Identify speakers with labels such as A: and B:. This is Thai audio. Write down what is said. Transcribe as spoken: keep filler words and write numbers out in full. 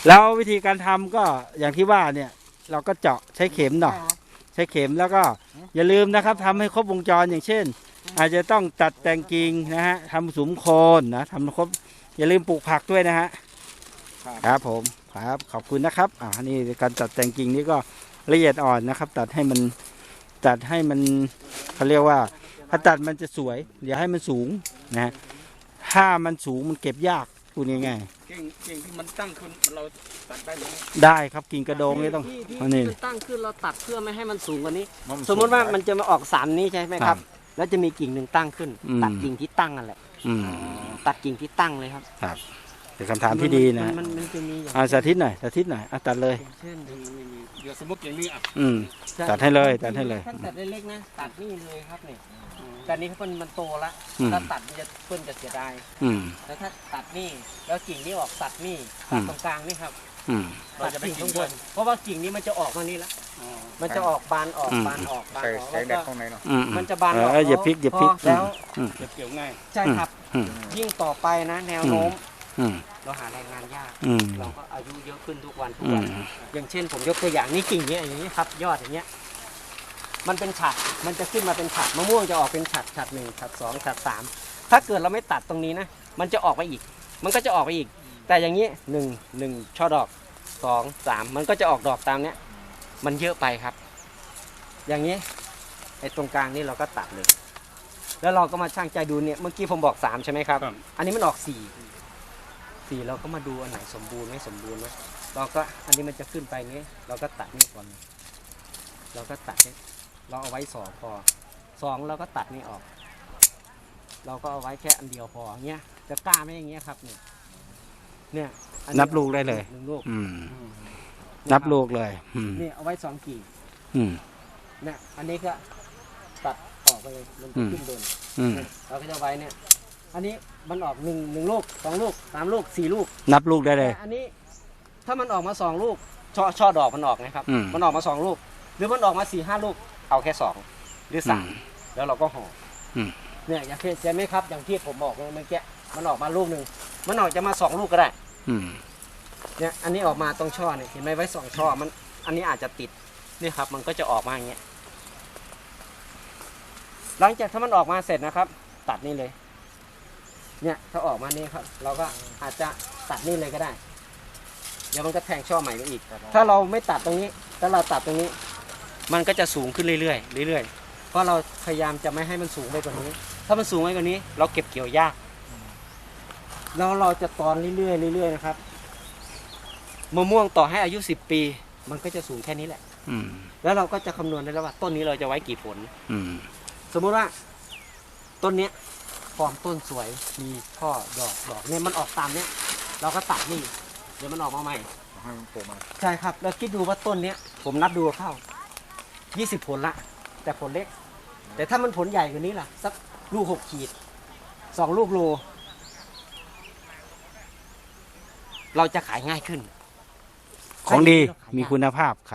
A: แล้ววิธีการทำก็อย่างที่ว่าเนี่ยเราก็เจาะใช้เข็มเนาะใช้เข็มแล้วก็อย่าลืมนะครับทำให้ครบวงจรอย่างเช่น อาจจะต้องตัดแต่งกิ่งนะฮะทำสุมโคนนะทำครบอย่าลืมปลูกผักด้วยนะฮะครับผมครับขอบคุณนะครับอ่านี่การตัดแต่งกิ่งนี่ก็ละเอียดอ่อนนะครับ ตัดให้มันตัดให้มันเขาเรียกว่าถ้าตัดมันจะสวยอย่าให้มันสูงนะถ้ามันสูงมันเก็บยากพูดง่ายๆ
B: กิ่งกิ่งที่มันตั้งขึ้นเราตัดได้ไหม
A: ได้ครับกิ่งกระโดงนี่ต้อง
C: ที่ที่
A: อันนี้
C: มันตั้งขึ้นเราตัดเพื่อไม่ให้มันสูงกว่านี้ สมมติว่ามันจะมาออกสามนี้ใช่ไหมครับ แล้วจะมีกิ่งหนึ่งตั้งขึ้น
A: อืม
C: ตัดกิ่งที่ตั้งนั่นแหละ
A: อืม
C: ตัดกิ่งที่ตั้งเลยครับ
A: ครับเป็นคำถามที่ดีนะ
C: มันมันจะมีอย่าง
A: อ่าสาธิตหน่อยสาธิตหน่อยอ่ะตัดเลย
C: เช่น
B: เดี๋ยวสมมติอย่างนี้อ่ะ
A: อืม ตัดให้เลยตัดให้เลย
C: ถ้าตัดเล็กๆนะตัดนี่เลยครับเนี่ยแต่นี้เพิ่นมันโตละ
A: อืม
C: ถ้าตัดมันจะเพิ่นจะเสียดาย
A: อืม
C: แล้วถ้าตัดนี่แล้วกิ่งนี้ออกตัดนี่
A: อื
C: ตัด
A: ม
C: ตรงกลางนี่ครับ
A: อืม
B: เราจะไป
C: ตัด
B: กิน
C: ข้างบ
B: ด้วย
C: นเพราะว่ากิ่งนี้มันจะออกมานี่ละมันจะออกบานออก
A: อืม
C: บานออกบาน
B: ใส่
C: ออก
B: ใส่
C: แล้ว
B: แดด
C: ก็
B: ข้างในเนาะ
A: อืม
C: มันจะบาน
A: เอ
C: ออก
A: ออย่าพลิกอย่าพลิก
C: พแล้ว
A: อืม
B: เก็บเกี่ยวง่าย
C: ใช่ครับ
A: อืม
C: ยิ่งต่อไปนะ แนวโน้ม
A: อืม
C: เราหาแรงงานยาก
A: อืม
C: เราก็อายุเยอะขึ้นทุกวันทุก
A: อื
C: วั
A: ม
C: น อย่างเช่นผมยกตัวอย่างนี่กิ่งเนี้ยอย่างนี้ครับ ยอดอย่างเงี้ย มันเป็นฉัดมันจะขึ้นมาเป็นฉัดมะม่วงจะออกเป็นฉัดฉัดหนึ่งฉัดสองฉัดสามถ้าเกิดเราไม่ตัดตรงนี้นะ มันจะออกไปอีก มันก็จะออกไปอีก แต่อย่างนี้หนึ่งหนึ่งช่อดอกสองสามมันก็จะออกดอกตามเนี้ย มันเยอะไปครับ อย่างนี้ไอ้ตรงกลางนี่เราก็ตัดเลย แล้วเราก็มาช่างใจดูเนี่ยเมื่อกี้ผมบอกสามใช่ไหมครับ
B: ครับ
C: อันนี้มันออกสี่สี่เราก็มาดูอันไหนสมบูรณ์ไม่สมบูรณ์นะเราก็อันนี้มันจะขึ้นไปนี้เราก็ตัดนี่ก่อน เราก็ตัดนี่เราเอาไว้สองพอสองเราก็ตัดนี่ออก เราก็เอาไว้แค่อันเดียวพอเงี้ยจะกล้าไหมอย่างเงี้ยครับเนี่ยเนี่ยอั
A: นับลูกได้เลย
C: หนึ่งลูก
A: อืมนับลูกเลย อืม
C: นี่เอาไว้สองกิ่ง
A: อืม
C: เนี่ยอันนี้ก็ตัดออกไปเลยมัน
A: อื
C: จะ
A: ม
C: ขึ้นบน
A: อืม
C: เราก็จะไว้เนี่ย อันนี้มันออกหนึ่งหนึ่งลูกสองลูกสามลูกสี่ลูก
A: นับลูกได้เลย
C: แต่อันนี้ถ้ามันออกมาสองลูกช่อช่อดอกมันออกนะครับ
A: อืม
C: มันออกมาสองลูก หรือมันออกมาสี่ห้าลูกเอาแค่สองหรือสาม
A: อืม
C: แล้วเราก็ห่ออ
A: ม
C: เนี่ยอย่างที่เห็นไหมครับอย่างที่ผมบอกเมื่อกี้มันออกมาลูกหนึ่งมันออกจะมาสองลูกก็ได้
A: อืม
C: เนี่ยอันนี้ออกมาตรงช่อเนี่ยเห็นไหมไว้สองช่อมันอันนี้อาจจะติดเนี่ยครับ มันก็จะออกมาอย่างเงี้ยหลังจากถ้ามันออกมาเสร็จนะครับ ตัดนี่เลย เนี่ยถ้าออกมานี่ครับ เราก็อาจจะตัดนี่เลยก็ได้ เดี๋ยวมันก็แทงช่อใหม่ไปอีก ถ้าเราไม่ตัดตรงนี้ถ้าเราตัดตรงนี้ มันก็จะสูงขึ้นเรื่อยๆเรื่อยๆเพราะเราพยายามจะไม่ให้มันสูงไปกว่านี้ ถ้ามันสูงไปกว่านี้ เราเก็บเกี่ยวยากแล้วเราจะตอนเรื่อยๆเรื่อยๆนะครับมะม่วงต่อให้อายุสิบปี มันก็จะสูงแค่นี้แหละ
A: อืม
C: แล้วเราก็จะคำนวณได้แล้วว่าต้นนี้เราจะไว้กี่ผล
A: อืม
C: สมมุติว่าต้นเนี้ยฟอร์มต้นสวยมีข้อดอกดอกเนี่ยมันออกตามเนี้ยเราก็ตัดนี่เดี๋ยวมันออกมาใหม่
B: ให้มันโผล่มา
C: ใช่ครับแล้วคิดดูว่าต้นเนี้ยผมนับดูเข้ายี่สิบผลละแต่ผลเล็ก แต่ถ้ามันผลใหญ่กว่านี้ล่ะสักลูกหกขีดสองลูกโลเราจะขายง่ายขึ้น
A: ของดี
C: ขายยาก
A: มีคุณภาพ